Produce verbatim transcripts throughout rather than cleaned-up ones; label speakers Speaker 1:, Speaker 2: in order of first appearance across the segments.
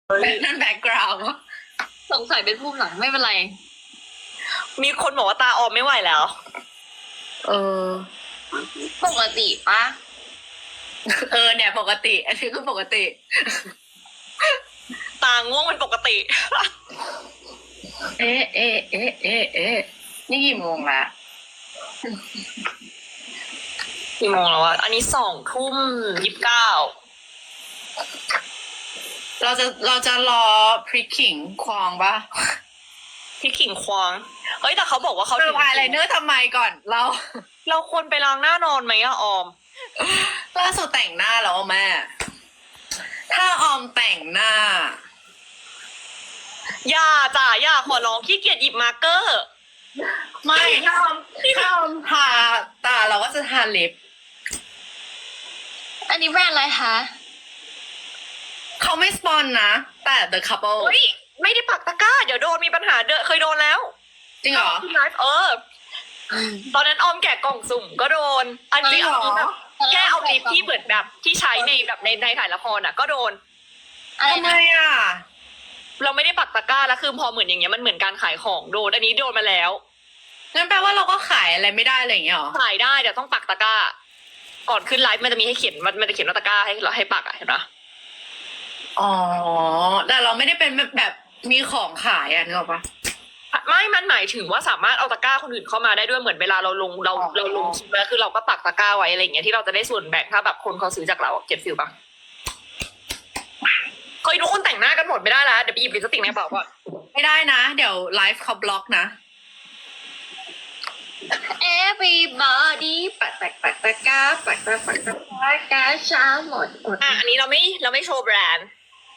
Speaker 1: นั่นแบ็กกราวด์
Speaker 2: สงสัยเป็นภูมิหลังไม่เป็นไร
Speaker 3: มีคนบอกว่าตาออมไม่ไหวแล้ว
Speaker 1: เออ
Speaker 2: ปกติปะ
Speaker 1: เออเนี่ยปกติ อันนี้คือปกติ
Speaker 3: ตาง่วงเป็นปกติ
Speaker 1: เอ๊ะเอ๊ะเอ๊ะเอ๊ะเอ๊ะนี่กี่โมงละ
Speaker 3: กี่โมงแล้วอะอันนี้สองทุ่มยี่สิบเก้า
Speaker 1: เราจะเราจะรอพริกขิงควองปะ
Speaker 3: พี่ขิงควงเฮ้ยแต่เขาบอกว่าเขา
Speaker 1: เธอพายไลเนอร์ทำไมก่อน เรา
Speaker 3: เราควรไปล้างหน้านอนไหมอะออม
Speaker 1: ล่าสุดแต่งหน้าแล้วแม่ ถ้าออมแต่งหน้า
Speaker 3: อย่าจ้ะอย่าขอร้องขี้เกียจหยิบมาร์กเกอร์
Speaker 1: ไม่ถ้าออมถ้าออมทาตาเราก็จะทาลิป
Speaker 2: อันนี้แบรนด์อะไรคะ
Speaker 1: เขาไม่สปอนนะ แต่ The Couple
Speaker 3: เฮ้ยไม่ได้ปักตะกร้า เดี๋ยวโดนมีปัญหาเดอะเคยโดนแล้ว
Speaker 1: จริงเหรอ
Speaker 3: ที่ไลฟ์เออ ตอนนั้นออมแกะกล่องสุ่มก็โดน อัน
Speaker 1: จริ
Speaker 3: นี้
Speaker 1: งเหรอ
Speaker 3: เอาแบบแค่เอาลิปที่เหมือนแบบที่ใช้ในแบบในในถ่ายละครอ่ะ ก็โดน
Speaker 2: อะไร
Speaker 1: ทำไม
Speaker 2: นะ
Speaker 1: อ่ะ
Speaker 3: เราไม่ได้ปักตะกร้าแล้วคือพอเหมือนอย่างเงี้ยมันเหมือนการขายของโดน อันนี้โดนมาแล้ว
Speaker 1: งั้นแปลว่าเราก็ขายอะไรไม่ได้อะไรอย่างเงี้ยเหรอ
Speaker 3: ขายได้เดี๋ยวต้องปักตะกร้า ก่อนขึ้นไลฟ์มันจะมีให้เขียนมันมันจะเขียนว่าตะกร้าให้เราให้ปักอ่ะเห็นปะ
Speaker 1: อ๋อ แต่เราไม่ได้เป็นแบบแบบมีของขายอ่ะนึกออกปะ
Speaker 3: ไม่มันหมายถึงว่าสามารถเอาตะกร้าคนอื่นเข้ามาได้ด้วยเหมือนเวลาเราลงเรา
Speaker 1: อ๋อ
Speaker 3: เราลงคลิปแล้วคือเราก็ปักตะกร้าไว้อะไรอย่างเงี้ยที่เราจะได้ส่วนแบ่งถ้าแบบคนเขาซื้อจากเราเก็บฟิลปะเคยทุกคนแต่งหน้ากันหมดไม่ได้แล้วเดี๋ยวไปหยิบลิปสติกในกระเป๋าก่อน
Speaker 1: ไม่ได้นะ เดี๋ยวไลฟ์เขาบล็อกนะ
Speaker 2: everybody ปักปักปักตะกร้าปักปักปักตะกร้ากาช้าหมดหมด
Speaker 3: อ่ะอันนี้เราไม่เราไม่โชว์แบรนด์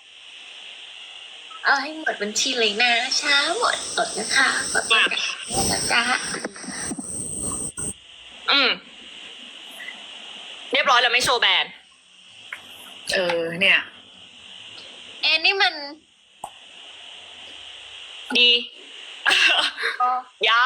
Speaker 2: เอาให้หมดบัญชีเลยนะช้าหมดหมดนะคะปักปักตะกร้า
Speaker 3: อืมเรียบร้อยเราไม่โชว์แบรนด์
Speaker 1: เออ เนี่ย
Speaker 2: เอ็นนี่มัน
Speaker 3: ดี ยา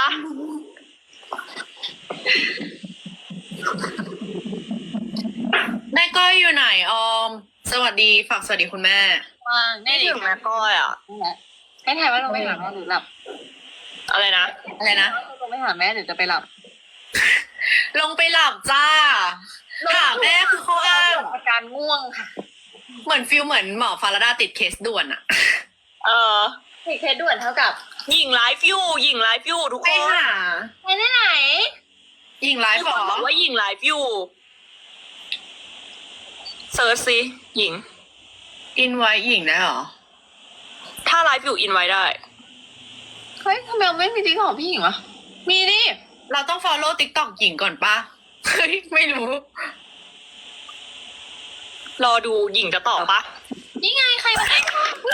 Speaker 1: แม่ก้อยอยู่ไหนออม สวัสดี ฝากสวัสดีคุณแม่
Speaker 2: วาง
Speaker 3: ไม่
Speaker 2: ได้
Speaker 3: ถึงแม่ก้อยอ่ะ
Speaker 2: ให้ถ่ายว่าเราไปหาแม่หรือหลับ
Speaker 3: อะไรนะ
Speaker 1: อะไรนะ
Speaker 2: เราไปหาแม่หรือจะไปหลับ
Speaker 1: ลงไปหลับจ้าถามแม่คือเขาอ้าง
Speaker 2: อาการง่วงค่ะ
Speaker 1: เหมือนฟิลเหมือนหมอฟาราดาติดเคสด่วนอะ
Speaker 3: เออ
Speaker 2: ผิดเคสด่วนเท่ากับ
Speaker 3: หญิงไลฟ์อยู่หญิงไลฟ์อยู่ทุก
Speaker 1: ไป
Speaker 3: คน
Speaker 1: หา
Speaker 2: ไปที่ไหน
Speaker 1: ยิงไล
Speaker 3: มี
Speaker 1: ฟ์
Speaker 3: ค
Speaker 1: หร
Speaker 3: น
Speaker 1: อ
Speaker 3: บอกว่าหญิงไลฟ์อยู่เซิร์ชสิหญิง
Speaker 1: อินไว้หญิงได้หรอ
Speaker 3: ถ้าไลฟ์อยู่อินไว้ได้
Speaker 2: เฮ้ยทำไมเราไม่มีติ๊กของพี่หญิงวะมีดิ
Speaker 1: เราต้อง follow TikTok หญิงก่อนปะเฮ้ยไม่รู้
Speaker 3: รอดูหญิงจะตอบปะ
Speaker 2: นี่ไงใครมาได้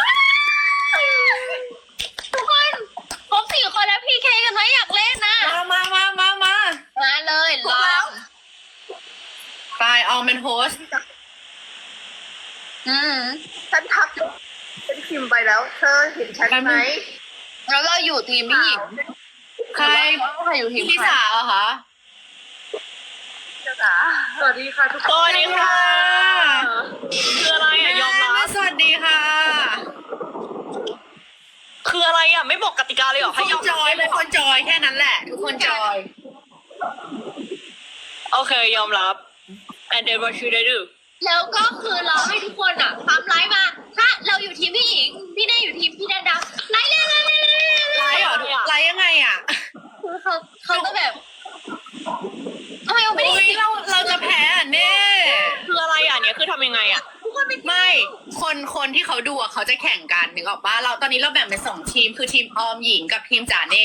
Speaker 2: ทุกคนครบสี่คนแล้วพีเคกันไหมอยากเล่นนะ
Speaker 1: มามามามามา
Speaker 2: มาเลยลอง
Speaker 1: ไปออมเป็นโฮสต์
Speaker 2: อืม
Speaker 4: ฉันทักฉันพิมพ์ไปแล้ว เธอเห็นฉันไหม
Speaker 2: แล้วเราอยู่ทีมพี่หญิง
Speaker 1: ใคร
Speaker 2: ใครอยู่ทีม
Speaker 1: พี่
Speaker 2: ใคร
Speaker 1: สาวเหรอคะ
Speaker 4: จ๋าสวัสดีค่ะทุก
Speaker 3: ส
Speaker 4: คน
Speaker 3: วัสดีค่ะคืออะไรอ่ะยอมรั
Speaker 1: แม่
Speaker 3: บ
Speaker 1: สวัสดีค่ะ
Speaker 3: คืออะไรอ่ะไม่บอกกติกาเลยเหรอ
Speaker 1: ทุ
Speaker 3: ให้
Speaker 1: ก
Speaker 3: ย
Speaker 1: ค
Speaker 3: อม
Speaker 1: นจอยทุกคนจอยแค่นั้นแหละ ทุกคนจอย
Speaker 3: โอเคยอมรับ and then what should I do
Speaker 2: แล้วก็คือเราให้ทุกคนอ่ะปั๊มไลฟ์มาถ้าเราอยู่ทีมพี่หญิงพี่เน่อยู่ทีมพี่ดาดาไลฟ์เลยไลฟ์เลย
Speaker 1: ไลฟ์เหรอไลฟ์ยังไงอ่ะ
Speaker 2: คือเขาเขาก็แบบทำไมเราไม่ได้
Speaker 1: โอ้ย
Speaker 2: ยิน
Speaker 1: เราเราจะแพ้อ่ะเน่
Speaker 3: คืออะไรอ่ะเนี่ยคือทำยังไงอ่ะ
Speaker 2: ทุกคนเป็น
Speaker 1: ไม่ คนคนที่เขาดูอ่ะเขาจะแข่งกันนึกออกปะเราตอนนี้เราแบ่งเป็นสองทีมคือทีมออมหญิงกับทีมจ๋าเน่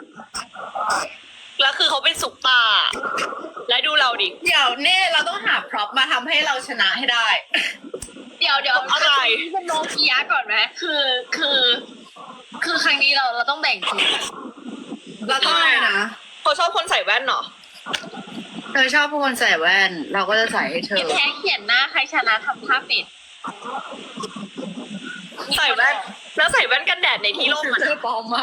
Speaker 3: แล้วคือเขาเป็นสุกตา และดูเราดิ
Speaker 1: เดี๋ยวเน่เราต้องหาพร็อพมาทำให้เราชนะให้ได้
Speaker 2: เดี๋ยวเดี๋ยว
Speaker 3: อะไร
Speaker 2: เป็นโนเกียก่อนไหมคือคือ คือครั้งนี้เราเราต้องแบ่งทีม
Speaker 1: เราต้องอะไรนะ
Speaker 3: เขาชอบคนใส่แว่นเหรอ
Speaker 1: เธอชอบผู้คนใส่แว่น เราก็จะใส่ให้เธ
Speaker 2: เขีย
Speaker 1: อ
Speaker 2: นแท้เขียนหน้าใครชนะทำท่าปิด
Speaker 3: ใส่แว่น แล้วใส่แว่นกันแดดในที่ร่มอ่ะ
Speaker 1: เธอปลอมมาก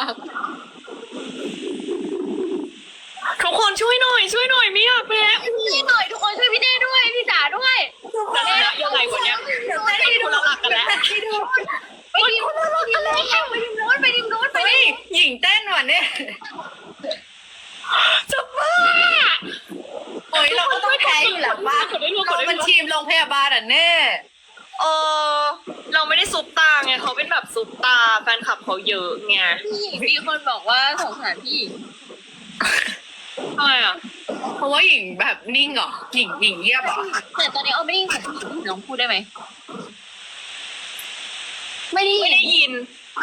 Speaker 3: ทุกคนช่วยหน่อย ช่วยหน่อยไม่อยากแพ้
Speaker 2: ช่วยหน่อยทุกคนช่วยพี่เน่ด้วยพี่จ๋าด้วย
Speaker 3: ชนะยังไงวันเนี้ยคนละหลักกันแล้ว
Speaker 2: เมื่อกี้
Speaker 1: เนี่ย
Speaker 3: จะบ้า
Speaker 1: โอ้ยเราก็ต้องแพ้อยู่แล้วป่ะ
Speaker 3: กดได้รู้ก
Speaker 1: เรา
Speaker 3: ดได้
Speaker 1: เป็น
Speaker 3: รู้
Speaker 1: ทีมโรงพยาบาลอ่ะแน่
Speaker 3: เออเราไม่ได้ซุปตาไงเขาเป็นแบบซุปตาแฟนคลับเขาเยอะไง
Speaker 2: พี่หญิงมีคนบอกว่าสงสารพี่หญิง
Speaker 3: ทำไมอ่ะ
Speaker 1: เพราะว่าหญิงแบบนิ่งเหรอหญิงหญิงเงียบเหรอ
Speaker 2: แต่ตอนนี้เอาไม่ได้ยินเสียงพี่หญิงลองพูดได้ไหมไม่ได้
Speaker 3: ไม่
Speaker 2: ยิน
Speaker 3: ได้ยิน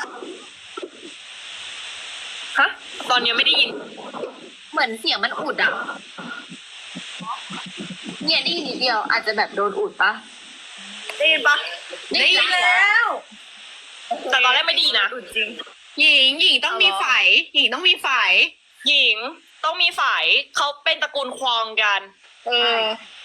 Speaker 3: ฮะตอนนี้ไม่ได้ยิน
Speaker 2: เหมือนเสียงมันอุดอ่ะเนี่ยได้ยินนิดเดียวอาจจะแบบโดนอุดปะ
Speaker 4: ได้ยินปะ
Speaker 1: ได้ยินแล้ว
Speaker 3: แต่ตอนแรกไม่ดีนะ
Speaker 4: จริง
Speaker 1: หญิงหญิงต้องมีไฝหญิงต้องมีไฝ
Speaker 3: หญิงต้องมีฝ่ายเขาเป็นตระกูลควองกัน
Speaker 1: เออ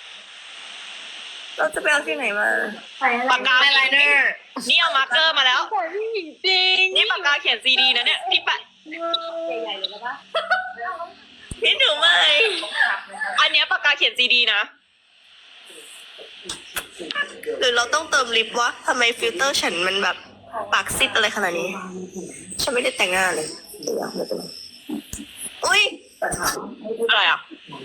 Speaker 4: เราจะไปเอาที่ไหนมา
Speaker 3: ปากกา
Speaker 1: ไอไลเนอร์
Speaker 3: นี่เอามาร์กเกอร์มาแล้ว
Speaker 2: พี่หญิงจริง
Speaker 3: นี่ปากกาเขียนซีดีนะเนี่ยพี่ปะ
Speaker 2: ใหญ่ๆเลยปะ
Speaker 3: พี่หนูไม่อันเนี้ยปากกาเขียนซีดีนะ
Speaker 4: หรือเราต้องเติมลิปวะทำไมฟิลเตอร์ฉันมันแบบปากซิดอะไรขนาดนี้ ฉันไม่ได้แต่งหน้าเลยเดี๋ยวไม่เป็นไรอุ้ย
Speaker 3: อะไรอ่ะ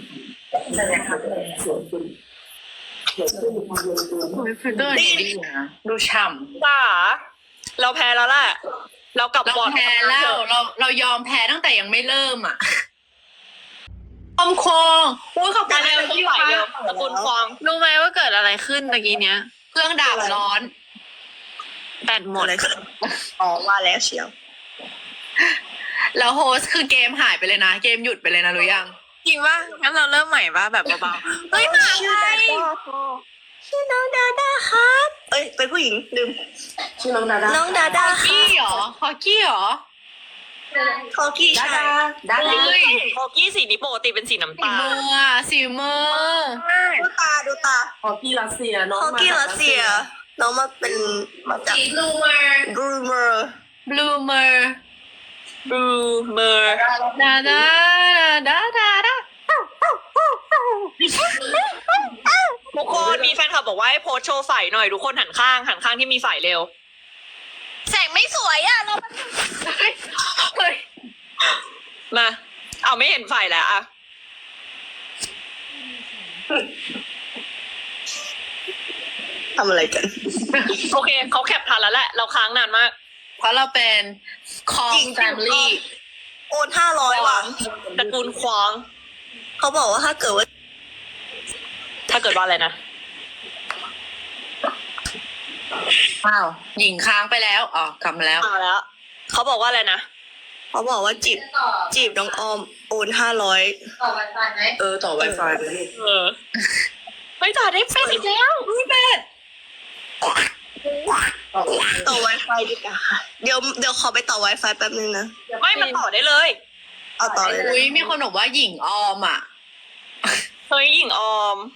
Speaker 1: ฟิลเตอร์ดีนะดูฉ่ำ
Speaker 3: จ้าเราแพ้แล้วแหละเรากลับ
Speaker 1: เรา
Speaker 3: บอร์ด
Speaker 1: แพ้แล้วเราเรายอมแพ้ตั้งแต่ยังไม่เริ่มอ่ะอมคงอุ้ยขอบคุ
Speaker 3: การ
Speaker 1: ณ
Speaker 3: เร็วต้อง
Speaker 1: ที่
Speaker 3: ไหว
Speaker 1: ว่า
Speaker 3: เร็วตระกูลควอง
Speaker 2: รู้ไหมว่าเกิดอะไรขึ้นตะกี้เนี้ย
Speaker 1: เครื่องดับร้อน
Speaker 2: แบตหมด
Speaker 4: อะไรขึ้นอ๋อว่าแล้วเชียว
Speaker 1: แล้วโฮสคือเกมหายไปเลยนะ เกมหยุดไปเลยนะรู้ยัง
Speaker 2: จริงป่ะงั้นเราเริ่มใหม่ป่ะแบบเบาๆเฮ้ยหมา
Speaker 4: ชื่อ
Speaker 2: ไท
Speaker 4: ดาย ด้าชื่อน้องดาด้าครับเอ้ยเป็นผู้หญิงลืมชื่อน้องดาด้าน้องดาด้า
Speaker 1: ฮอกกี้เหรอฮอกกี้เหรอ
Speaker 4: คอกี้ใช่ดาด้า
Speaker 1: เฮ้ย
Speaker 3: โคกี้สีนี้ปกติเป็นสีน้ำ
Speaker 1: สี
Speaker 3: ตาล
Speaker 1: มืออ่ะสีมือ
Speaker 4: ดูตาดูตา
Speaker 5: ฮอกกี้รัสเซียน้อง
Speaker 4: คอกี้รัสเซีย น้องมาเป็นมาจาก
Speaker 1: สีบลูเมอร์
Speaker 4: บรูเมอร์
Speaker 1: บลูเมอร์
Speaker 3: บลูเมอร์
Speaker 1: ดาดาดาดาดา
Speaker 3: ทุกคนมีแฟนคลับบอกว่าให้โพสต์โชว์ฝ่ายหน่อยทุกคนหันข้างหันข้างที่มีฝ่ายเร็ว
Speaker 2: แสงไม่สวยอ่ะเรา
Speaker 1: เฮ้ยเฮ้ย
Speaker 3: มาเอาไม่เห็นฝ่ายแล้วอะ
Speaker 4: ทำอะไรกัน
Speaker 3: โอเคเขาแคปทันแล้วแหละเราค้างนานมาก
Speaker 1: เพราะเราเป็นคอ
Speaker 4: จริ
Speaker 1: ง
Speaker 4: ง
Speaker 1: แฟมิลี่
Speaker 4: โอนห้าร้อยว่ะ
Speaker 3: ตระกูลควอง
Speaker 4: เขาบอกว่าถ้าเกิดว่า
Speaker 3: ถ้าเกิดว่าอะไรนะ
Speaker 1: อ้าวหญิงค้างไปแล้วอ๋อกลับมาแล้ว
Speaker 3: มาแล้วเขาบอกว่าอะไรนะ
Speaker 4: เขาบอกว่าจีบจีบน้องออมโอนห้าร้อย
Speaker 2: ต่อไปฟันไหม
Speaker 5: เออต่อ Wi-Fi ไปลูก
Speaker 3: เออเฮ้ยจ่าได้แฟนอีกแล้ว
Speaker 1: นี่เป็ด
Speaker 4: ต่อ Wi-Fi ดีกว่าค่ะเดี๋ยวเดี๋ยวขอไปต่อ Wi-Fi แป๊บนึงนะ
Speaker 3: ไม่มันต่อได้เลย
Speaker 4: เอาต่อเลยนะ
Speaker 1: อุ้ยมีคนบอกว่าหญิงออมอ่ะ
Speaker 3: เฮ้ยหญิงออม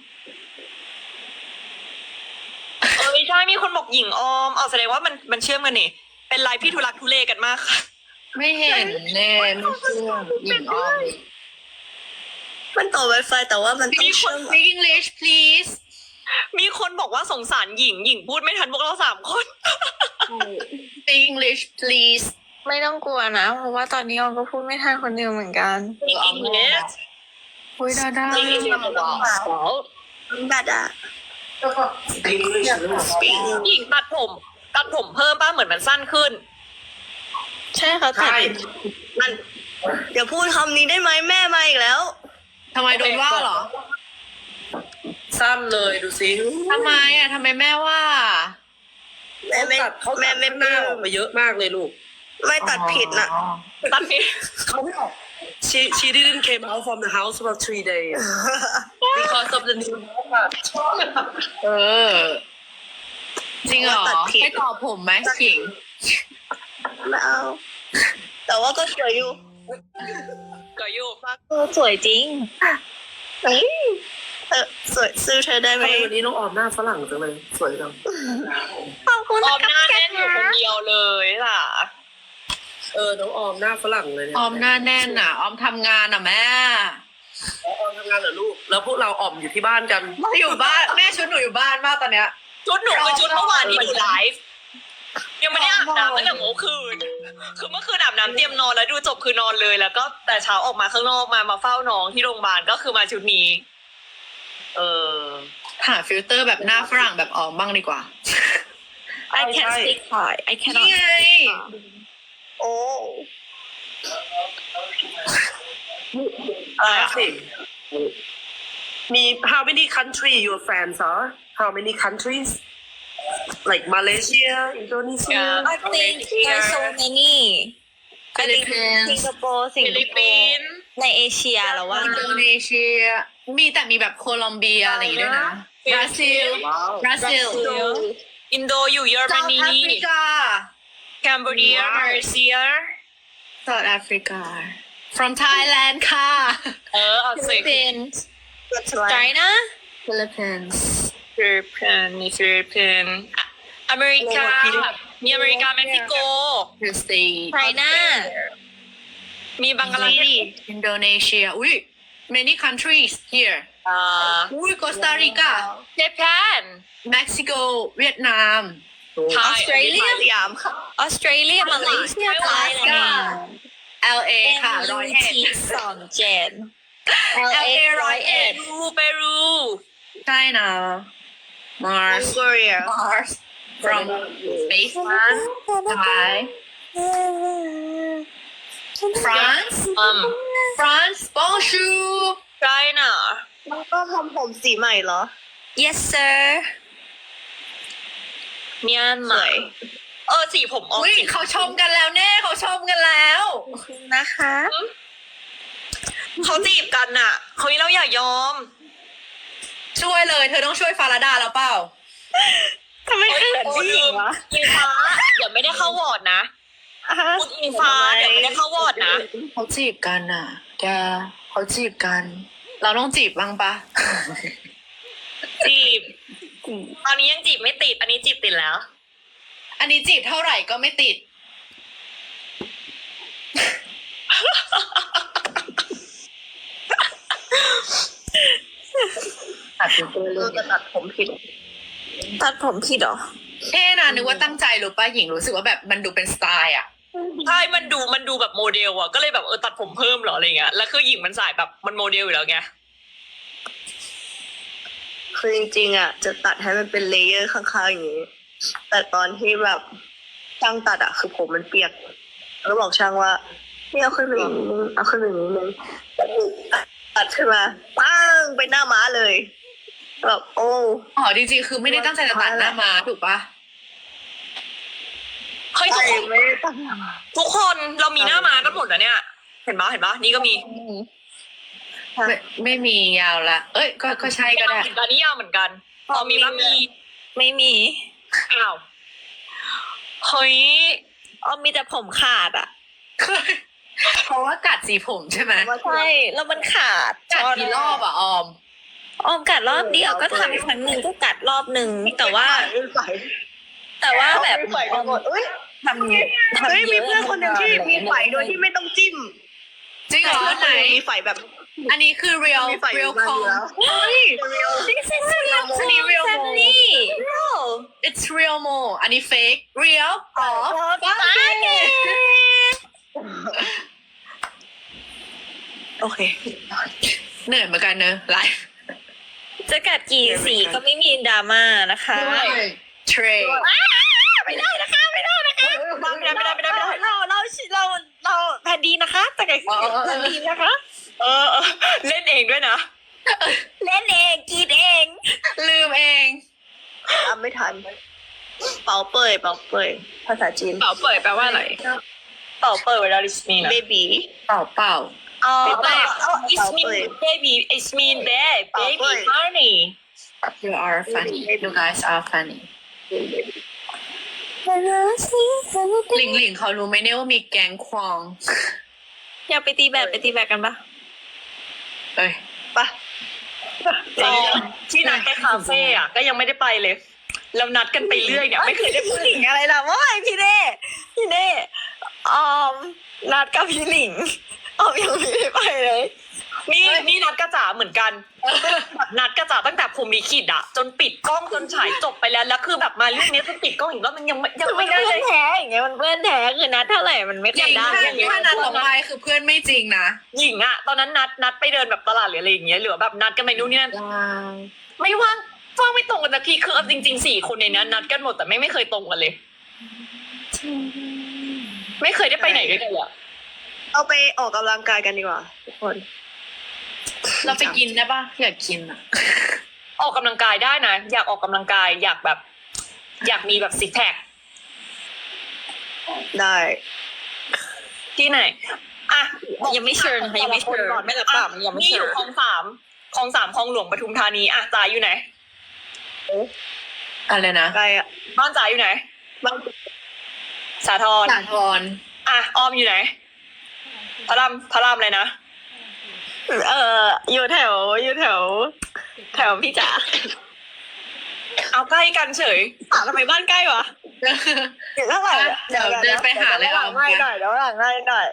Speaker 3: เออใช่มีคนบอกหญิงออมเอาแสดงว่ามันมันเชื่อมกันนี่เป็นไลฟ์พี่ทุลักทุเลกันมากค่ะ
Speaker 1: ไม่เห็นแน่ไม่เชื่อหญิงออม
Speaker 4: มันต่อ Wi-Fi แต่ว่ามันต้อง
Speaker 1: มีค
Speaker 4: เชื่
Speaker 1: น
Speaker 4: อม
Speaker 1: speak English please
Speaker 3: มีคนบอกว่าสงสารหญิงหญิงพูดไม่ทันพวกเราสามคน
Speaker 1: speak English please
Speaker 2: ไม่ต้องกลัวนะ เพราะว่าตอนนี้ออมก็พูดไม่ทันคนเดียวเหมือนกัน
Speaker 3: มีอิงเลส
Speaker 1: อุ้ยดาดา
Speaker 3: จริงๆ
Speaker 4: ดาดา
Speaker 5: English ลูก
Speaker 3: หญิงตัดผมตัดผมเพิ่มป้าเหมือนมันสั้นขึ้น
Speaker 2: ใช่เขาตัด
Speaker 5: ใช่
Speaker 4: มันเดี๋ยวพูดคำนี้ได้ไหมแม่มาอีกแล้ว
Speaker 1: ทำไมโดนว่าเหรอ
Speaker 5: สั้นเลยดูสิ
Speaker 1: ทำไมอ่ะทำไมแม่ว่า
Speaker 4: แม่
Speaker 5: เขา
Speaker 4: ไม่
Speaker 5: ตัดเขา
Speaker 4: แม่
Speaker 5: ตัด
Speaker 4: ไม่
Speaker 5: หน้าออกมาเยอะมากเลยลูก
Speaker 4: ไม่ตัดผิดนะ
Speaker 3: ตัดผิด
Speaker 5: เขาไม่ออก she she didn't came out from the house for three days because of the new haircut
Speaker 1: เออ จริงเหรอให้ตอบผมไหมหญิง
Speaker 4: ไม่เอาแต่ว่าก็สวยอยู่
Speaker 3: ก็อยู่
Speaker 2: เออสวยจริง
Speaker 4: เอ้ยเออสวยซื้อเธอได้ไหม
Speaker 5: ทำไมวันนี้น้องออมหน้าฝรั่งจังเลยสวยจัง
Speaker 4: ขอบคุณ
Speaker 3: ออ
Speaker 4: นะ
Speaker 3: มหน้าแน่นอยู่คนเดียวเลยล่ะ
Speaker 5: เออน้องออมหน้าฝรั่งเลยเนี่ย
Speaker 1: ออมหน้าแน่นอ่ะ ออมทำงานอ่ะแม่
Speaker 5: ออมทำงานเหรอลูกแล้วพวกเราออมอยู่ที่บ้านกัน
Speaker 1: อยู่บ้านแม่ชุดหนูอยู่บ้านมากตอนเนี้ย
Speaker 3: ชุดหนูคือชุดเมื่อวานที่หนูไลฟ์ยังไม่ได้อาบน้ำตั้งแต่เมื่อคืน คือเมื่อคืนอาบน้ำเตรียมนอนแล้วดูจบคือนอนเลย แล้วก็แต่เช้าออกมาข้างนอกมามาเฝ้าน้องที่โรงพยาบาลก็คือมาชุดนี้
Speaker 5: เออ
Speaker 1: หาฟิลเตอร์แบบหน้าฝรั่งแบบออมบ้างดีกว่า
Speaker 2: I can't speak Thai I
Speaker 1: นี่
Speaker 2: cannot
Speaker 1: ไง
Speaker 4: โอ้
Speaker 5: อะไรสิมี how many country your friends are how many countries like Malaysia Indonesia
Speaker 3: Yeah.
Speaker 2: I think there's so many I think
Speaker 1: Philippines
Speaker 2: Singapore สิง
Speaker 3: ฟิ
Speaker 2: ค
Speaker 3: ลิป
Speaker 2: โป
Speaker 3: ปิ
Speaker 2: ร์
Speaker 3: นส์
Speaker 2: ในเอเชียแล้วว่า
Speaker 1: อินโดนีเซีย มีแต่มีแบบโคลอมเบียอะไรอย่างงี้ด้วยนะบราซิล
Speaker 5: wow
Speaker 1: บราซิล
Speaker 3: อินโดอยู่เยอรม
Speaker 1: South
Speaker 3: นี
Speaker 1: Africa
Speaker 3: แคนเบอร์เรีย
Speaker 5: Wow.
Speaker 3: มาเลเซีย
Speaker 1: South Africa from Thailand ค่ะ
Speaker 3: เออเอาสิ
Speaker 2: Philippines
Speaker 4: that's right
Speaker 2: China
Speaker 1: Philippines
Speaker 3: ฟิลิปปินส์มีฟิลิปปินส์อ่ะอเมริกา มีอเมริกาเม็กซิโก
Speaker 1: The States
Speaker 2: China
Speaker 3: มีบังกลาเทศ
Speaker 1: Indonesia อุ้ย many countries here
Speaker 3: อ่า
Speaker 1: อุ้ย Costa Rica
Speaker 3: เจแปน
Speaker 1: Mexico เวียดนาม
Speaker 3: ไทย
Speaker 2: Australia
Speaker 4: สยามค่ะ
Speaker 2: Australia Malaysia Thailand
Speaker 1: แอล เอ ค่ะร้อยเอ็ด
Speaker 2: สองเจ็ด
Speaker 1: แอล เอ ร้อยเอ็ด
Speaker 3: เปรูเปรู
Speaker 1: ใช่นะ Mars
Speaker 4: Korea
Speaker 1: Mars from Spaceman Thai France
Speaker 3: อืม
Speaker 1: France Bonjour
Speaker 3: ไชน่า
Speaker 4: แล้วก็ทำผมสีใหม่เหรอ
Speaker 2: Yes sir
Speaker 3: เมียนมาเออสีผมออก
Speaker 1: อุ้ย
Speaker 3: สี
Speaker 1: เขาชมกันแล้วเน่เขาชมกันแล้ว
Speaker 2: นะคะ
Speaker 3: เขาจีบกันน่ะเขาเราอย่ายอม
Speaker 1: ช่วยเลย เธอต้องช่วยฟาราดาแล้วเปล่า
Speaker 2: ทำไมเขินผู้หญิงวะ
Speaker 3: อิงฟ้าเดี๋ยวไม่ได้เข้าวอร์ดนะคุณอิงฟ้าเดี๋ยวไม่ได้เข้าวอร์ดนะ
Speaker 1: เขาจีบกันอ่ะ แกเขาจีบกัน เราต้องจีบบ้างปะ
Speaker 3: จีบตอนนี้ยังจีบไม่ติด อันนี้จีบติดแล้ว
Speaker 1: อันนี้จีบเท่าไหร่ก็ไม่ติด ตัดตัวเล
Speaker 4: เรา
Speaker 1: ย
Speaker 4: จะตัดผมผิด
Speaker 2: ตัดผมผิดเหรอ
Speaker 1: เท่นะนึกว่าตั้งใจหรือป้าหญิงรู้สึกว่าแบบมันดูเป็นสไตล์อ่ะ
Speaker 3: ใช่ มันดู มันดูแบบโมเดลอะก็เลยแบบเออตัดผมเพิ่มเหรออะไรเงี้ย แล้วคือหญิงมันสายแบบมันโมเดลอยู่แล้วไง
Speaker 4: คือจริงๆอ่ะ จะตัดให้มันเป็นเลเยอร์ข้างๆอย่างนี้ แต่ตอนที่แบบช่างตัดอ่ะ คือผมมันเปียกแล้วบอกช่างว่านี่เอาขึ้นไปอีกนิดนึงเอาขึ้นไปอีกนิดนึงตัดขึ้นมาปั้งไปหน้าม้าเลยแบบโอ้
Speaker 1: อ๋อจริงๆคือไม่ได้ตั้งใจจะตัดหน้ามาถูกปะ
Speaker 3: เฮ้ยทุกคน
Speaker 4: ไม่ได้ตั้ง
Speaker 3: ทุกคนเรามีหน้ามากันหมดแล้วเนี่ย เห็นปะเห็นปะนี่ก็มี
Speaker 1: ไม่ไม่มียาวละ เอ้ย ก็ก็ใช่ก็ได้
Speaker 3: เหมือนกันนี่ยาวเหมือนกันพอมีบ้างมี
Speaker 2: ไม่มี
Speaker 3: อ้าว เฮ้ย
Speaker 2: อ๋อมีแต่ผมขาดอ่ะ
Speaker 1: เพราะว่ากัดสีผมใช่ไหม
Speaker 4: ว่า
Speaker 2: ใช่ แล้วมันขาด
Speaker 1: กัดกี่รอบอะออม
Speaker 2: ออมกัดรอบเดียวก็ทำครั้งหนึ่งก็กัดรอบหนึ่งแต่ว่า
Speaker 4: ไม่ใส่
Speaker 2: แต่ว่าแบบ
Speaker 4: ไม่ใส่กันหมดเอ้ย
Speaker 2: ทำทำ
Speaker 4: เฮ้ย
Speaker 2: เย
Speaker 4: มี
Speaker 2: อะ
Speaker 4: เพื่อนคนหนึ่งที่มีไฝโดยที่ไม่ต้องจิ้ม
Speaker 1: จริงเหรอ
Speaker 4: เพื่อนค
Speaker 1: ไหน
Speaker 4: นหนึ่งมีไฝแบบ
Speaker 1: อันนี้คือ real
Speaker 4: มีไฝ
Speaker 1: real
Speaker 4: มา
Speaker 1: com
Speaker 4: แล้ว
Speaker 1: เฮ้ย
Speaker 2: This is real
Speaker 1: Actually real
Speaker 2: family
Speaker 1: it's real mo อันนี้ fake real อ๋อ
Speaker 4: โอเค
Speaker 1: เหนื่อยเหมือนกันเนอะไลฟ์
Speaker 2: จะกัดกี่สีก็ไม่มีดราม่านะคะ
Speaker 1: เทรด
Speaker 2: ไม่ได้นะคะไม่ได้นะคะ
Speaker 3: ไม่ได้ไม่ได้ไม่ได้ไม่ได้
Speaker 2: เราเราเราเราแผ่นดีนะคะแต่กัดแผ่นดีนะคะ
Speaker 3: เออเออเล่นเองด้วยนะ
Speaker 2: เล่นเองกินเอง
Speaker 1: ลืมเอง
Speaker 4: ทำไม่ทัน เป่าเปยเป่าเปยภาษาจีน
Speaker 3: เป่าเปิดแปลว่าอะไร เป่าเปิดเวลาดิสนีย์นะ
Speaker 4: เบบี
Speaker 1: เป่าเป่า
Speaker 2: อ๋อ
Speaker 3: เป่า it's mean baby it's mean babe baby honey
Speaker 1: you are funny you guys are funny หลิงหลิงเขารู้ไหมเนี่ยว่ามีแก๊งควอง
Speaker 2: อยากไปตีแบดไปตีแบดกันปะ
Speaker 1: เอ้ย
Speaker 4: ปะ
Speaker 3: ตอนที่นัดไปคาเฟ่อะก็ยังไม่ได้ไปเลยแล้วนัดกันไปเรื่อยเนี่ยไม่เคยได้พูด
Speaker 2: หลิงอะไรล่ะว่าไงพี่เน่พี่เน่ออมนัดกับพี่หลิงออมยังไม่ได้ไปเลย
Speaker 3: นี่นี่นัดกระจ๋าเหมือนกันแบบนัดกระจ๋าตั้งแต่ผมลิขิตอะจนปิดกล้องจนฉายจบไปแล้วแล้วคือแบบมาเรื่องนี้จนปิดกล้องอีกรอบมันยังไม่ยัง
Speaker 2: มั
Speaker 3: ไม่
Speaker 2: น
Speaker 3: ได้
Speaker 2: เพื่
Speaker 3: เล
Speaker 2: อน
Speaker 3: ย
Speaker 2: แท้อย่างเงี้ยมันเพื่อนแท้คือนัดเท่าไหร่มันไม่
Speaker 1: จ
Speaker 2: เค
Speaker 1: ริ
Speaker 2: ย
Speaker 1: ง
Speaker 2: ได้
Speaker 1: ถ้า
Speaker 2: อย่างเงี้ย
Speaker 1: ถ้านัดออกไปคือเพื่อนไม่จริงนะ
Speaker 3: หญิงอะตอนนั้นนัดนัดไปเดินแบบตลาดหรืออะไรอย่างเงี้ยหรือแบบนัดกันไปนู่นนี่นั่นไม่ว่างว่างไม่ตรงกันสักทีคือเอาจริงๆสี่คนในนั้นนัดกันหมดแต่ไม่ไม่เคยตรงกันเลย ไม่เคยได้ไปไหนด้วยกันเลยอะ
Speaker 4: เอาไปออกกำลังกายกันดีกว่าทุกคน
Speaker 1: เราไปกินได้ปะอยากกินอ่ะ
Speaker 3: ออกกำลังกายได้นะอยากออกกำลังกายอยากแบบ อยากมีแบบซิกแพค
Speaker 4: ได้
Speaker 3: ที่ไหนอ่ะ
Speaker 2: ยังไม่เชิญค่ะยังไม่เชิญไม่รับปากมันยังไม่
Speaker 3: นี่อ
Speaker 2: เชิ
Speaker 3: ยู่
Speaker 2: ญ
Speaker 3: คลองสามคลองสามคลองหลวงปทุมธานีอ่ะจ๋าอยู่ไหน
Speaker 1: อะไรนะ
Speaker 4: ไกลอ่ะ
Speaker 3: บ้านจ๋าอยู่ไหน
Speaker 4: บ้าน
Speaker 3: สาทร
Speaker 1: สาทร
Speaker 3: อ่ะออมอยู่ไหนพระรามพระรามเลยนะ
Speaker 2: เอออยู่แถวอยู่แถว แถวพี่จ๋า
Speaker 3: เอาใกล้กันเฉย
Speaker 2: ถามทำไมบ้านใกล้วะ
Speaker 4: เดี๋ยวเท่าไหร่อะ
Speaker 1: เดี๋ยวเดินไปหาเลย
Speaker 4: เดี๋ยวหลั
Speaker 1: เอา
Speaker 4: งง่ายหน่อยเดี๋ยวหลังง่ายหน่อย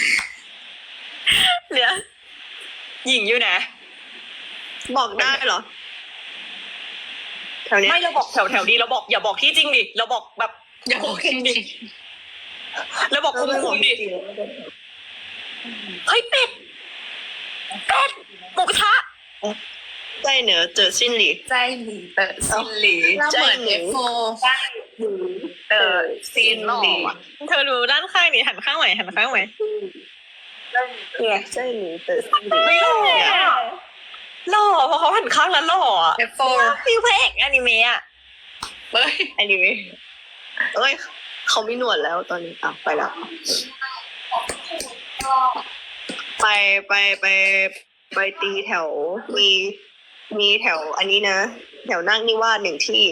Speaker 2: เหลือ
Speaker 3: หญิงอยู่ไหน
Speaker 4: บอกได้เหรอแถวเนี้ย
Speaker 3: ไม่เราบอกแถวแถวดีเราบอกอย่าบอกที่จริงดิเราบอกแบบ
Speaker 1: อย่าบอกจริง
Speaker 3: เราบอกคุมคุมดิเฮ้ยเป็ดเป็ดหมูกระทะ
Speaker 4: ใจเหนือเจอสิ้นหลี
Speaker 1: ๆใจหลีเตอซินหลีเราเหมือน
Speaker 4: ใจหลี
Speaker 1: เอฟโฟ
Speaker 4: เออสิ้นหลี
Speaker 2: เธอดูด้านข้างนี่หันข้างใหม่หันข้างใหม่
Speaker 4: เนี่ยใจหลีเจอสิ้นหลี
Speaker 3: ไม่หล่ออะหล่อเพราะเขาหันข้างแล้วหล่ออะ
Speaker 1: เอฟโฟ
Speaker 2: ฟิวพระเอกอนิเมะอ่ะ
Speaker 1: เฮ้ย
Speaker 4: อันนี้ไหมเอ้ยเขาไม่หนวดแล้วตอนนี้อ่ะไปแล้ว ไปไปไปไปตีแถวมีมีแถวอันนี้นะ แถวนั่งนิวาสหนึ่งที่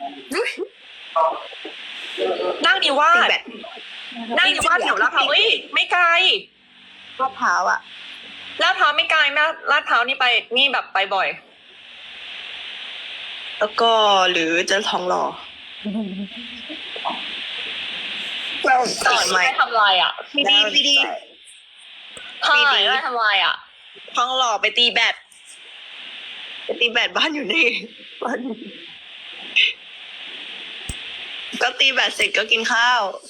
Speaker 3: นั่งดีว่า
Speaker 4: ตี
Speaker 3: ส
Speaker 4: แบต
Speaker 3: นั่งดีว่าสแถวลาดพร้าวเอ้ยไม่ไกล
Speaker 4: มะพร้าวอ่ะ
Speaker 3: ลาดพร้าวไม่ไกลแม่ลาดพร้าวนี่ไปนี่แบบไปบ่อย
Speaker 4: แล้วก็หรือจะทองหล่อ
Speaker 2: เรา
Speaker 4: ต่อยไหม
Speaker 3: ไม่ทำลายอ่ะ
Speaker 4: มีดีมีดี
Speaker 3: ใช่ไม่ทำลายอ่ะ
Speaker 2: ทองหล่อไปตีแบด
Speaker 4: ไปตีแบตบ้านอยู่นี่บ้านอยู่ก็ตีแบตเสร็จก็กินข้าว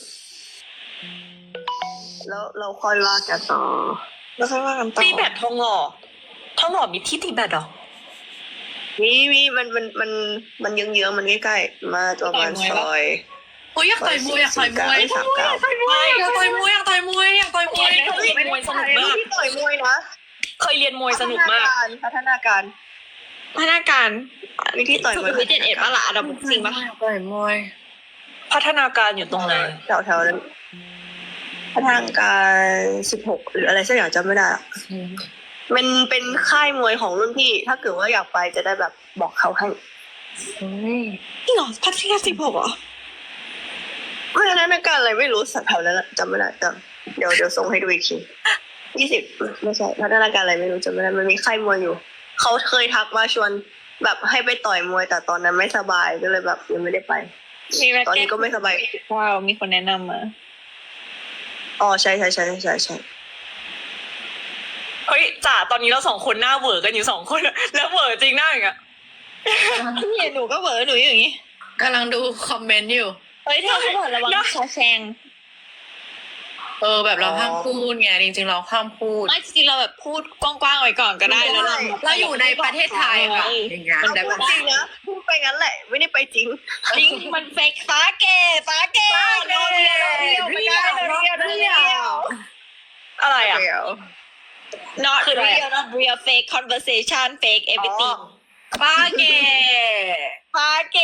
Speaker 4: แล้วเราค่อยว่ากันต่อแล้วค่อยว่ากันต่อ
Speaker 3: ตีแบตทองหล่อทองหล่อมีที่ตีแบตเหรอ
Speaker 4: มีมีมันมันมันมันเยื้องๆมันใกล้ๆมาประมาณซอย
Speaker 1: โอ้ยอยากต่อยมวยอยากต่อยมวย
Speaker 4: สามเก้า
Speaker 1: อยากต่อยมวยอยากต่อยมวยอยากต่อยมวย
Speaker 3: เฮ้ยมวยสนุกมาก
Speaker 4: ที่ต่อยมวยนะ
Speaker 3: เคยเรียนมวยสนุกมาก
Speaker 4: พัฒนาการ
Speaker 2: พนักงาน
Speaker 4: วิธีต่อยมวย
Speaker 2: วิเจ็ดเอ็ดปะล่ะอันดับจริงปะ
Speaker 1: อยากต่อยมวย
Speaker 3: พัฒนาการอยู่ตรงไหน
Speaker 4: แถวแถวๆนั้นพัฒนาการสิบหกหรืออะไรสักอย่างจำไม่ได้อะมันเป็นค่ายมวยของรุ่นพี่ ถ้าเกิดว่าอยากไปจะได้แบบบอกเขาให้
Speaker 2: จริงเหรอพัทยาสิบหกเหรอ
Speaker 4: พัฒนาการอะไรไม่รู้สักแถวนั้นอะจำไม่ได้จำเดี๋ยวเดี๋ยวส่งให้ดูอีกทียี่สิบไม่ใช่พัฒนาการอะไรไม่รู้จำไม่ได้มันมีค่ายมวยอยู่ เขาเคยทักมาชวนแบบให้ไปต่อยมวย แต่ตอนนั้นไม่สบายก็เลยแบบยังไม่ได้ไป
Speaker 2: มีแม็ก
Speaker 4: ตอน
Speaker 2: เก็
Speaker 4: นี้
Speaker 2: ต
Speaker 4: ก็ไม่สบาย
Speaker 2: ว้าวมีคนแนะนำมา
Speaker 4: อ๋อใช่ใช่ใช่ใช่ใช่
Speaker 3: เฮ้ยจ่าตอนนี้เราสองคนหน้าเหวอกันอยู่สองคน แล้วเหวอจริงหน้าอย่างเงี้ย
Speaker 2: พี่หนูก็เหวอหนูอย่างงี้
Speaker 1: กำลังดูคอมเมนต์อยู่
Speaker 2: เฮ้ยเธอเขาบอกระวังชาแชง
Speaker 1: เออแบบเราห้ามพูดไงจริงๆเราห้ามพูด
Speaker 2: ไม่จริงๆเราแบบพูดกว้างๆไว้ก่อนก็ได้แล้วเรา
Speaker 1: เราอยู่ในประเทศไทยค่ะอย่างเงี้ย
Speaker 4: เอา
Speaker 1: แต่
Speaker 4: พู
Speaker 1: แบ
Speaker 4: ด
Speaker 1: บ
Speaker 4: จริงนะพูดไปงั้นแหละ ไม่ได้ไปจริง
Speaker 2: จริงมันเฟกฟ้าเกฟ้าเกโนเรียโนเรียไม่ได้โนเรียโนเรีย
Speaker 3: อะไรอ่ะ
Speaker 4: เดี๋ยว
Speaker 2: not
Speaker 3: คืออะไร
Speaker 2: real not real fake conversation fake everything
Speaker 1: ป้าเก
Speaker 2: ฟ้าเก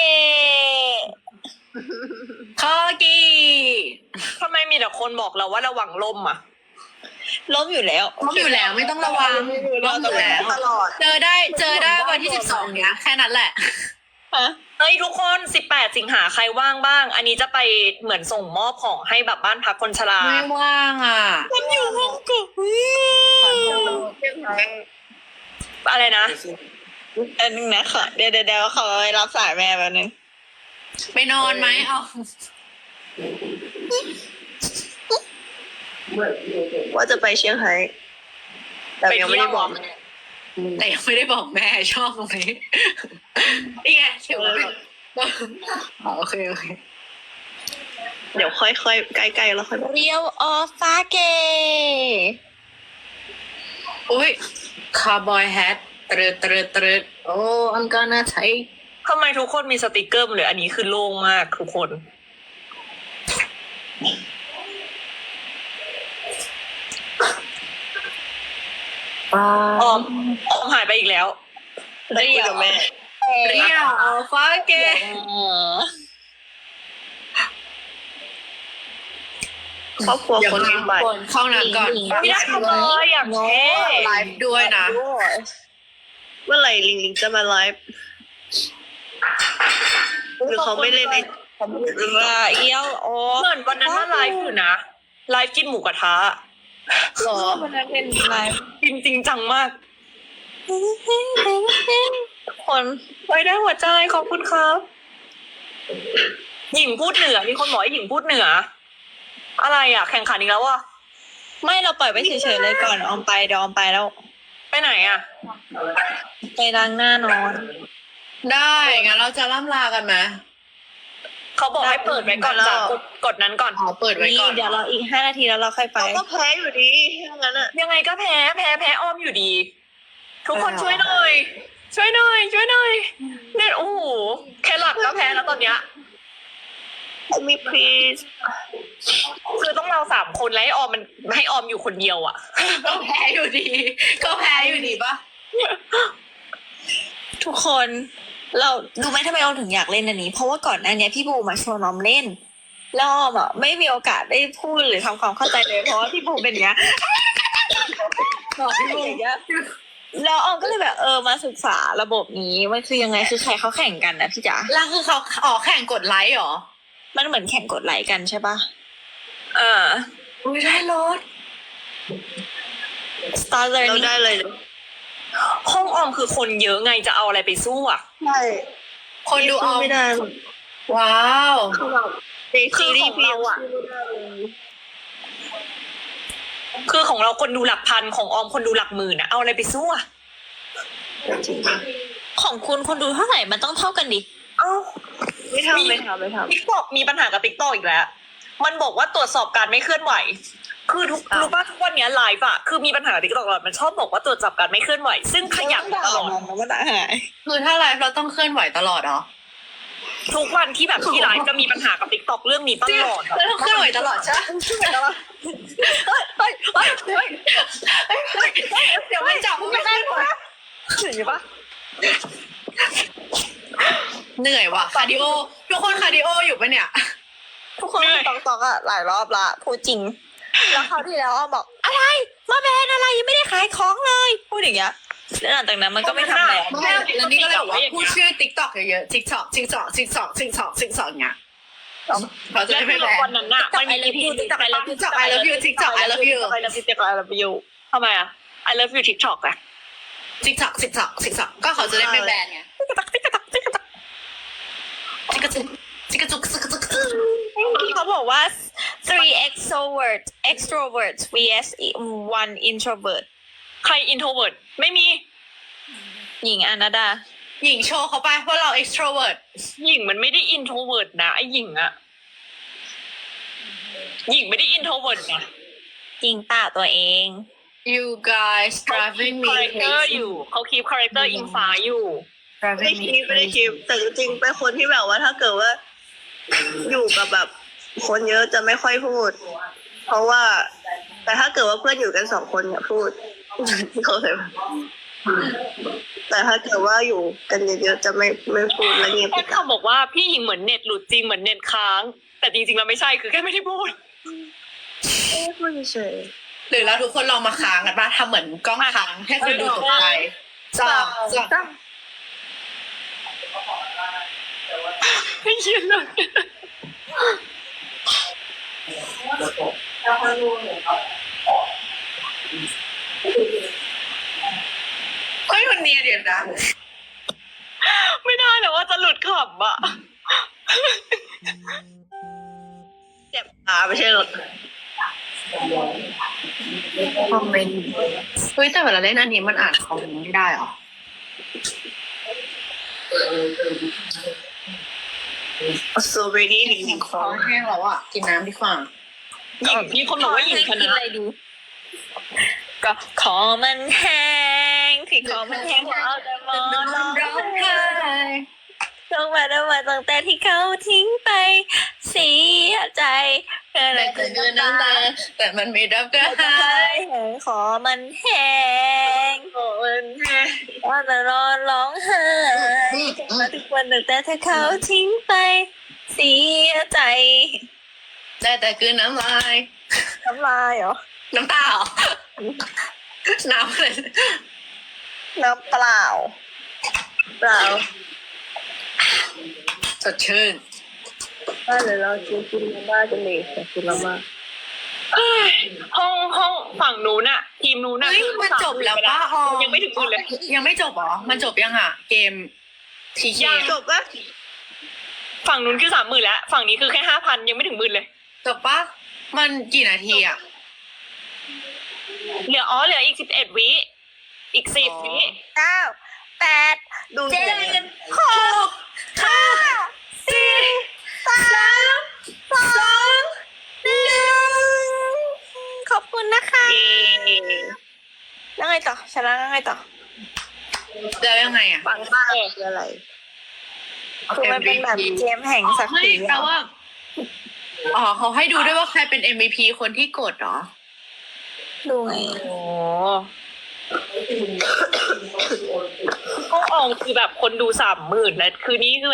Speaker 1: คอกี
Speaker 3: ทำไมมีแต่คนบอกเราว่าระวังลมอ่ะ
Speaker 2: ล้มอยู่แล้ว
Speaker 1: ล้มอยู่แล้วไม่ต้องระวังล้มอยู่แล้ว
Speaker 4: ตลอด
Speaker 1: เจอได้เจอได้วันที่สิบสองเนี้ยแค่นั้นแหละ
Speaker 2: ฮะ
Speaker 3: เฮ้ยทุกคนสิบแปดสิงหาใครว่างบ้าง อันนี้จะไปเหมือนส่งมอบของให้แบบบ้านพักคนชรา
Speaker 1: ไม่ว่างอ่ะ
Speaker 2: มันอยู่ห้องกง
Speaker 3: อะไรนะ
Speaker 2: อันนึงนะขอเดี๋ยวเดี๋ยวเดี๋ยวขอไปรับสายแม่แป๊บนึง
Speaker 1: ไปนอนไหมเอา
Speaker 4: ว่าจะไปเชียงไฮ้แต่ยังไม่ได้บอก
Speaker 3: ไปเที่ยวเหรอ
Speaker 1: แต่ยังไม่ได้บอกแม่ชอบตรงนี้นี่ไงเชื่อว่าอ๋อโอเคโอเค
Speaker 4: เดี๋ยวค่อยๆใกล้ๆแล้วค่อยบอก
Speaker 2: เรียวออฟฟาเก
Speaker 1: อุ้ยคาร์บอยแฮทตรึดตรึดตรึดโอ้ I'm gonna take
Speaker 3: ทำไมทุกคนมีสติกเกอร์หมดเลยอันนี้คือโล่งมากทุกคน
Speaker 1: อ
Speaker 3: ออมออมหายไปอีกแล้ว
Speaker 4: ได้คุยกับแม่
Speaker 1: เรียวอัลฟาเก
Speaker 4: ครอบครัวคนมีบัตร
Speaker 1: เข้าน้ำก่อน
Speaker 3: ไม่ได้ทำเลยอย่างเท่
Speaker 1: ไลฟ์ด้วยนะ
Speaker 4: เมื่อไหร่ลิงลิงจะมาไลฟ์หรือเขาไม่เล่นไอเขาไม่เล่น
Speaker 2: ว่าเอียวโอ้
Speaker 3: เหมือนวันนั้นว่าไลฟ์อยู่นะไลฟ์กินหมูกระทะ
Speaker 4: หรอ
Speaker 2: วันนั้นเป็นไลฟ์
Speaker 3: กินจริงจังมาก
Speaker 2: คน
Speaker 3: ไว้ได้หัวใจขอบคุณครับ หญิงพูดเหนือมีคนบอกให้หญิงพูดเหนือ อะไรอ่ะ แข่งขันอีกแล้วอ่ะ
Speaker 2: ไม่เราปล่อยไว้เฉยๆเลยก่อนออมไปเดี๋ยวออมไปแล้ว
Speaker 3: ไปไหนอ่ะ
Speaker 2: ไปล้างหน้านอน
Speaker 1: ได้งั้นเราจะล่ำลากันไหม
Speaker 3: เขาบอกให้เปิดไว้ก่อนจ้ะกดกดนั้นก่อน
Speaker 1: อ๋อเปิดไว้
Speaker 2: นี่
Speaker 1: ก่อน
Speaker 2: เดี๋ยวเราอีกห้านาทีแล้วเราค่อยไป
Speaker 4: เราก็แพ้อยู่ดีถ้างั้นอะ
Speaker 3: ยังไงก็แพ้แพ้แพ้อ้อมอยู่ดี ทุกคนช่วยหน่อย ช่วยหน่อย ช่วยหน่อยเนี่ยโอ้โหแค่หลักก็แพ้แล้วตอนเนี้ย
Speaker 4: มีพรีส
Speaker 3: คือต้องเราสามคนแล้วให้ออมมันให้ออมอยู่คนเดียวอ่ะ
Speaker 1: ก็แพ้อยู่ดี ก็แพ้อยู่ดีปะ
Speaker 2: ทุกคน เราดูไหมทำไมออมถึงอยากเล่นอันนี้ เพราะว่าก่อนหน้านี้พี่บูมาชวนออมเล่นแล้วออมอ่ะไม่มีโอกาสได้พูดหรือทำความเข้าใจเลยเพราะว่าพี่บูเป็นอย่างเงี้ย
Speaker 1: บอกพี่บุ๋ม
Speaker 2: อย่างเงี้ยแล้วออมก็เลยแบบเออมาศึกษาระบบนี้มันคือยังไงคือใครเขาแข่งกันนะพี่จ๋า
Speaker 1: แล้วคือเขาออกแข่งกดไลค์เหรอ
Speaker 2: มันเหมือนแข่งกดไลค์กันใช่ปะ
Speaker 3: เออ
Speaker 1: อุ้ยได้รถ
Speaker 2: Start
Speaker 4: เรา
Speaker 2: learning
Speaker 4: ได้เลย
Speaker 3: ห้องออมคือคนเยอะไงจะเอาอะไรไปสู้อ่ะ
Speaker 4: ใช่
Speaker 1: คนดูออม
Speaker 4: ไม่ได้
Speaker 1: ว้าว
Speaker 4: ในซีรีส์
Speaker 3: คือของเราอะ คือของเราคนดูหลักพันของออมคนดูหลักหมื่นอะเอาอะไรไปสู้อะ
Speaker 2: ของคุณคนดูเท่าไหร่มันต้องเท่ากันดิ
Speaker 3: เอ้า
Speaker 4: ไม่ทำไม่ทำไม่ทำ
Speaker 3: ติ๊กตอกมีปัญหากับติ๊กตอกอีกแล้ว มันบอกว่าตรวจสอบการไม่เคลื่อนไหว คือทุก
Speaker 4: อ้าว
Speaker 3: รู้ป่ะทุกวันเนี้ไลฟ์อะคือมีปัญหากับติ๊กตอกตลอดมันชอบบอกว่าตรวจสอบการไม่เคลื่อนไหว ซึ่งขยันตลอด
Speaker 2: มันด่าหาย
Speaker 1: คือถ้าไลฟ์เราต้องเคลื่อนไหวตลอดเหรอ
Speaker 3: ทุกวันที่แบบที่ไลฟ์จะมีปัญหากับติ๊กตอกเรื่องนี้ตลอดอะ
Speaker 1: เราต้องเคลื่อนไหวตลอดใช่ไหม
Speaker 3: เฮ้ยเฮ้ยเฮ้ยเฮ้ย
Speaker 1: เดี๋ยวมันจับไม่ได้หรอ
Speaker 3: เห็นปะ
Speaker 1: เหนื่อยว่ะคาร์ดิโอทุกคนคาร์ดิโออยู่ปะเนี่ย
Speaker 2: ทุกคนตอกตอกๆอะหลายรอบละพูดจริง แล้วคราวที่แล้วอ้อมบอกอะไรมาแบนอะไรยังไม่ได้ขายของเลยพูดอย่างเงี้ยแล้วหลังจากนั้นมันก็ไม่ทำแล้ว
Speaker 1: ไม่แล้วนี่ก็เลยบอกว่าพูดชื่อ TikTok เยอะๆ TikTok TikTok TikTok TikTok TikTok เงี้ยเขาจะ
Speaker 3: แล้ว
Speaker 1: ได้
Speaker 3: คื
Speaker 1: ไม่
Speaker 3: อ
Speaker 1: แบน
Speaker 3: วันนั้นน่ะมันมี อี พี ติ๊กตอก I love you
Speaker 1: TikTok I love you TikTok I love you
Speaker 3: I love you TikTok I love you ทำไมอะ I love you TikTok อะ
Speaker 1: TikTok TikTok TikTok ก็เขาจะได้ไม่แบนไง
Speaker 3: TikTok TikTok TikTok
Speaker 1: จิกกระจุกจิกกระจุกจิกกระจุก
Speaker 2: เขาบอกว่า three extrovert extroverts vs one introvert
Speaker 3: ใคร introvert ไม่มี
Speaker 2: หญิงอนาดา
Speaker 1: หญิงโชว์เขาไปว่าเรา extrovert
Speaker 3: หญิงมันไม่ได้ introvert นะไอ้หญิงอะหญิงไม่ได้ introvert นะ
Speaker 2: จริงป่าตัวเอง
Speaker 1: you guys
Speaker 3: เขา
Speaker 1: driving
Speaker 3: คี
Speaker 1: me
Speaker 3: ปคาแรคเตอร์อยู่เขาคีปคาแรคเตอร์อิงฟ้าอยู่
Speaker 4: ไม่ได้คิดไม่ได้คิดแต่จริงๆเป็นคนที่แบบว่าถ้าเกิดว่า อยู่กับแบบ คนเยอะจะไม่ค่อยพูด เพราะว่า แต่ถ้าเกิดว่าเพื่อนอยู่กันสองคนเนี่ยพูด เขาเลยแต่ถ้าเกิดว่าอยู่กันเยอะๆจะไม่ไม่พูดและเงียบ
Speaker 3: แค่คำบอกว่าพี่หญิงเหมือนเน็ตหลุดจริงเหมือนเน็ตค้าง แต่จริงๆแล้วไม่ใช่คือแค่ไม่ได้พูด
Speaker 4: พูดเฉย
Speaker 1: หรือเราทุกคนลองมาค้างกันป่ะทำเหมือนกล้องค้างให้คนดูตกใจสองสอง
Speaker 3: ไม่เย็นเลย
Speaker 1: เฮ้ยวันนี้เดี๋ยวนะ
Speaker 3: ไม่ได้แต่ว่าจะหลุดขำอะ
Speaker 4: ๆเจ็บตาไม่ใช่หรอก
Speaker 1: คอมเมนต์เฮ้ยแต่เวลาเล่นอันนี้มันอ่านคอมเมนต์ไม่ได้เหรอ
Speaker 4: สตรอเบอรี่หนึ่ง
Speaker 1: คอแห้งแล้วอ่ะกินน้ำดีกว่า
Speaker 3: หญิงมีคนบอกว่าหญิงช
Speaker 2: กิน
Speaker 3: นะ
Speaker 2: อะไรดู ก็ขอมันแห้งที่ขอมันแห้งเพราะเอาแต่มองร้องไห้ลงมาแล้วมาตั้งแต่ที่เขาทิ้งไปเสียใจเกินอะไร
Speaker 1: แต่
Speaker 2: เกิ
Speaker 1: เกิ
Speaker 2: น
Speaker 1: น
Speaker 2: น้ำ
Speaker 1: น้ำ
Speaker 2: ตา
Speaker 1: ตาแต่มันไม่รับกระหาย
Speaker 2: ขอมันแห้ง
Speaker 3: โอ้ย
Speaker 2: ว่าแต่นอนร้องไห้มาทุกวันตั้งแต่ที่เขาทิ้งไปเสียใจ
Speaker 1: แต่แต่คือน้ำลาย
Speaker 2: น้ำลายเหรอ
Speaker 1: น้ำตาเหรอน้ำอะไร
Speaker 2: น้ำเปล่า
Speaker 4: เปล่า
Speaker 1: สดชื่น
Speaker 4: บ้านเลยเรากินกินมาม่ากันเลยแต่กินมาม่า
Speaker 3: เอ้ยห้องห้องฝั่งนู้นอะทีมนู้นอะ
Speaker 1: เฮ้ยมันจบแล้วป้าออม
Speaker 3: ยังไม่ถึงมือเลย
Speaker 1: ยังไม่จบเหรอมันจบยังอ่ะ เกมทีเค
Speaker 3: ยัง
Speaker 4: จบปะ
Speaker 3: ฝั่งนู้นคือสามหมื่นแล้วฝั่งนี้คือแค่ห้าพันยังไม่ถึงหมื่นเลย
Speaker 1: จบปะมันกี่นาทีอ่ะ
Speaker 3: เหลืออ๋อเหลืออีกสิบเอ็ดวิอีกสิบวิ
Speaker 2: เก้าแปด
Speaker 4: ดู
Speaker 2: เจ็
Speaker 4: เจ็
Speaker 2: ด
Speaker 4: ด
Speaker 2: หกห้าสี่สามสองหนึ่งขอบคุณนะคะ
Speaker 3: เย้
Speaker 2: แล้วไงต่อชนะแล้วไงต่อ
Speaker 1: แล้วยังไงอ่ะ
Speaker 4: ฟังบ้าคืออะไร
Speaker 2: คือมันเป็นแบบเกมแห่งศักดิ์
Speaker 1: เฮ้
Speaker 2: ศ
Speaker 1: ย
Speaker 2: รี
Speaker 1: แปลว่าอ๋อเขาให้ดูด้วยว่าใครเป็น เอ็ม วี พี คนที่กดเหรอ
Speaker 2: ดูไง
Speaker 3: โอ้ห้องอองคือแบบคนดูสามหมื่นแล้วคือนี้คือแบบ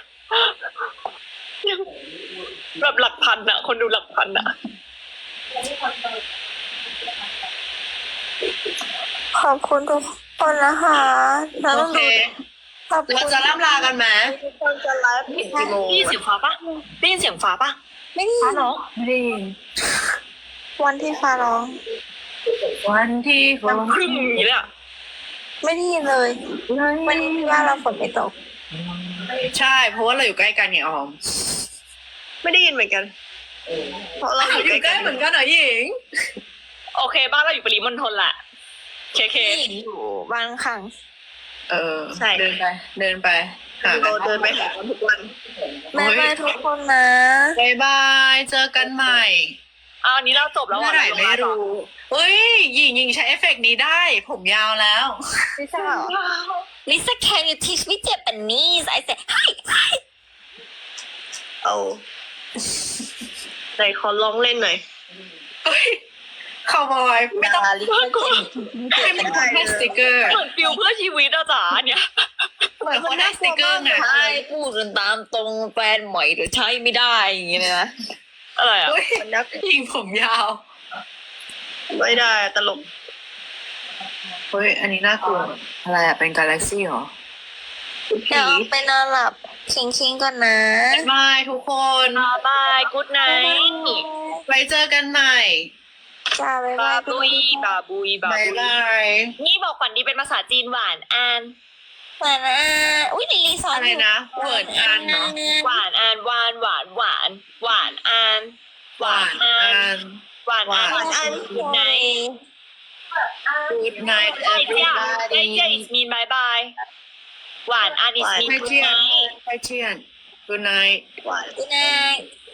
Speaker 3: แบบหลักพันอะคนดูหลักพันอะ
Speaker 2: ขอบคุณทุกคนนะคะเรา
Speaker 1: โอ
Speaker 2: ต้อง
Speaker 1: เค
Speaker 2: ดูขอบคุณ
Speaker 1: เราจะล่ำลากันไหม
Speaker 4: ทุกคนจะไลฟ์ผิดกี่โมง
Speaker 3: ได้ยินเสียงฟ้าปะได้ยินเสียงฟ้าปะ
Speaker 2: ไม่ได้ยิ
Speaker 3: ฟ้าน ร้อง
Speaker 1: ไม่ได้ยิน
Speaker 2: วันที่ฟ้าร้อง
Speaker 1: วันที่ฝน
Speaker 3: ครึ่งอย่างนี้เลยอะ
Speaker 2: ไม่ได้ยินเลยวันนี้ที่ว่าเราฝนไม่ตก
Speaker 1: ใช่ เพราะว่าเราอยู่ใกล้กันไงออม
Speaker 4: ไม่ได้ยินเหมือนกัน เพราะเราอยู่
Speaker 1: อยู่
Speaker 4: ใก
Speaker 1: ใก
Speaker 4: ล้
Speaker 1: ล้
Speaker 4: กัน
Speaker 1: เหมือนกันเหรอหญิง
Speaker 3: โอเค บ้านเราอยู่ปริมณฑลแหละเคเค
Speaker 2: อยู่บางครั้ง
Speaker 1: เออเดินไป เดินไปหากั
Speaker 4: เรา
Speaker 1: น
Speaker 4: เดินไปหากันทุกวัน
Speaker 2: บ๊ายบายทุกคนนะ
Speaker 1: บายบายเจอกันใหม่
Speaker 3: เอาอันนี้เราจบแล้ว
Speaker 1: เมื่อไหร่ไม่รู้เฮ้ยหญิงหญิงใช้เอฟเฟกต์นี้ได้ ผมยาวแล้ว
Speaker 2: ลิซ่าเหรอ Lisa can you teach me Japanese I said hi hi
Speaker 4: เอาไหนขอลองเล่นหน่อย
Speaker 1: เฮ้ยคาวบอยไม่ต้อง
Speaker 2: ลิซ่า
Speaker 1: ไม่ต้องให้สติกเกอร์
Speaker 3: เหมือนฟิลเพื่อชีวิตอะจ๋าเนี่ย
Speaker 1: เหมือนคนให้สติกเกอร์ไง
Speaker 2: ใช่พูดกันตามตรงแฟนใหม่หรือใช้ไม่ได้อย่างเงี้ยนะ
Speaker 3: อะไรอะ
Speaker 1: เฮ้ย
Speaker 4: มันนับ
Speaker 1: หญิงผมยาว
Speaker 4: ไม่ได้ตลก
Speaker 1: เฮ้ยอันนี้น่ากลัวอะไรอะเป็นกาแล็กซี่เหรอ
Speaker 2: เดี๋ยวไปนอนหลับคิงคิงก่อนนะ
Speaker 1: บายบายทุกคน
Speaker 3: บายกู๊ดไนท์
Speaker 1: ไว้เจอกันใหม่
Speaker 2: จ้าบ๊าย
Speaker 3: บา
Speaker 2: บาย
Speaker 3: บุยบาบุยบา
Speaker 1: บาย
Speaker 3: บุย
Speaker 1: บาย
Speaker 3: นี่บอกฝันดีเป็นภาษาจีนหวานอัน
Speaker 2: เหมือนอ่ะอุ้ยลิลีสอน
Speaker 1: อะไรนะเวิร์ดอันเนาะ
Speaker 3: หวานอันหวานหวานหวานหวานอัน
Speaker 1: หวานอัน
Speaker 3: หวานอัน
Speaker 1: หวานอัน
Speaker 3: กู๊ดไนท์
Speaker 1: Good night
Speaker 3: ไอเจียไอ
Speaker 1: everybody
Speaker 3: เจีย is mean bye bye หวานอัน is mean
Speaker 1: ไฮ
Speaker 3: good
Speaker 1: เจียน
Speaker 3: night
Speaker 1: ไฮเจียน Good night
Speaker 4: หวาน
Speaker 2: Good night